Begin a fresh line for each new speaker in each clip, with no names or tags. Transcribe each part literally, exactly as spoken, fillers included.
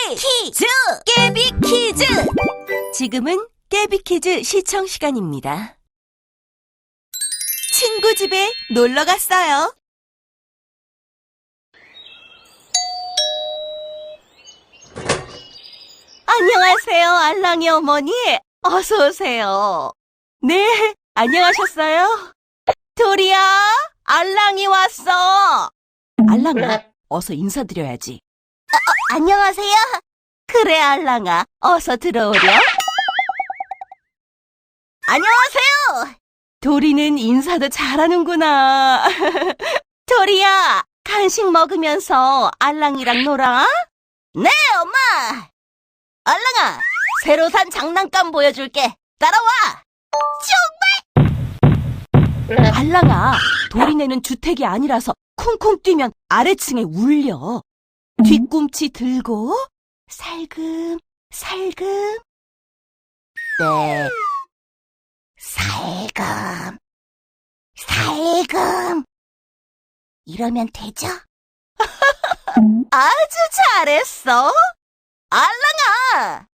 퀴즈! 깨비 퀴즈! 지금은 깨비 퀴즈 시청 시간입니다. 친구 집에 놀러 갔어요. 안녕하세요, 알랑이 어머니. 어서 오세요. 네, 안녕하셨어요? 도리야, 알랑이 왔어. 알랑아, 어서 인사드려야지. 어, 어, 안녕하세요. 그래, 알랑아, 어서 들어오렴. 안녕하세요. 도리는 인사도 잘하는구나. 도리야, 간식 먹으면서 알랑이랑 놀아? 네, 엄마. 알랑아, 새로 산 장난감 보여줄게. 따라와. 정말? 알랑아, 도리네는 주택이 아니라서 쿵쿵 뛰면 아래층에 울려. 뒤꿈치 들고 살금 살금. 네, 살금 살금. 이러면 되죠? 아주 잘했어. 알랑아!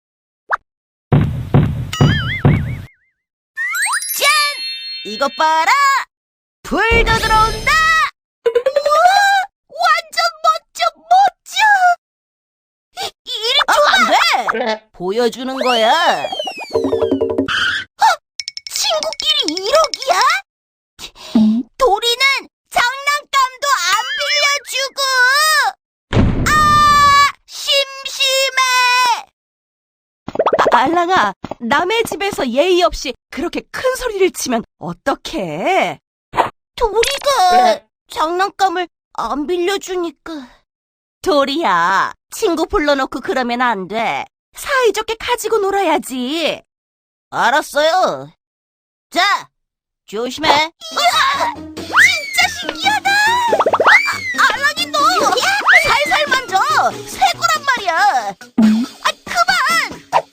짠! 이것 봐라! 불도 들어온다! 우와! 완전 멋져, 멋져! 이, 이리 줘봐! 안 돼! 보여주는 거야. 어? 친구끼리 일억이야? 도리는 장난감도 안 빌려주고! 아! 심심해! 아, 알랑아, 남의 집에서 예의 없이 그렇게 큰 소리를 치면 어떡해? 도리가 장난감을 안 빌려주니까. 도리야, 친구 불러놓고 그러면 안 돼. 사이좋게 가지고 놀아야지. 알았어요. 자, 조심해. 이야, 진짜 신기하다. 아, 알랑이 너 살살 만져. 새 거란 말이야. 아, 그만.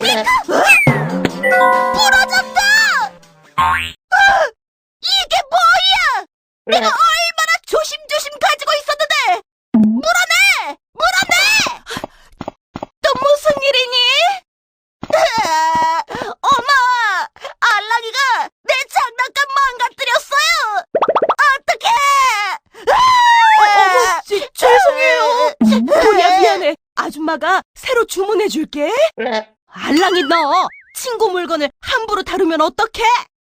부러졌다. 아, 이게 뭐야? 내가 얼마나 조심조심 가지고 있었는데. 물어내! 물어내! 또 무슨 일이니? 엄마! 알랑이가 내 장난감 망가뜨렸어요! 어떡해! 어머, 지, 죄송해요. 도리야, 미안해. 아줌마가 새로 주문해줄게. 알랑이 너 친구 물건을 함부로 다루면 어떡해?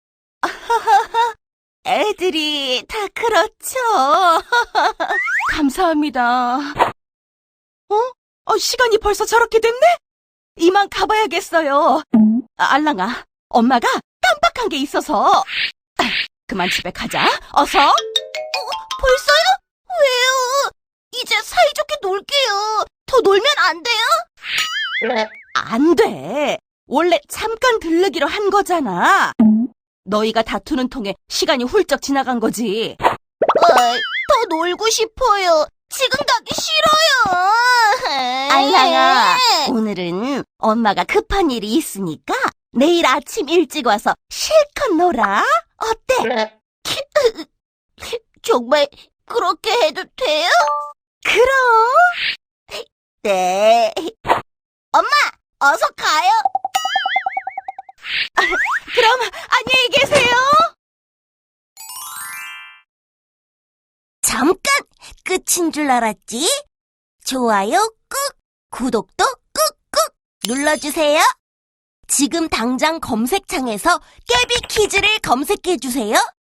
애들이 다 그렇죠. 감사합니다. 어? 어? 시간이 벌써 저렇게 됐네? 이만 가봐야겠어요. 아, 알랑아, 엄마가 깜빡한 게 있어서. 아, 그만 집에 가자. 어서. 어, 벌써요? 왜요? 이제 사이좋게 놀게요. 더 놀면 안 돼요? 안 돼. 원래 잠깐 들르기로 한 거잖아. 너희가 다투는 통에 시간이 훌쩍 지나간 거지. 어, 더 놀고 싶어요. 지금 가기 싫어요. 알랑아, 오늘은 엄마가 급한 일이 있으니까 내일 아침 일찍 와서 실컷 놀아. 어때? 정말 그렇게 해도 돼요? 그럼. 네. 엄마, 어서 가요. 그럼 안녕히 계세요. 잠깐 끝인 줄 알았지? 좋아요 꾹, 구독도 꾹꾹 눌러주세요. 지금 당장 검색창에서 깨비 퀴즈를 검색해주세요.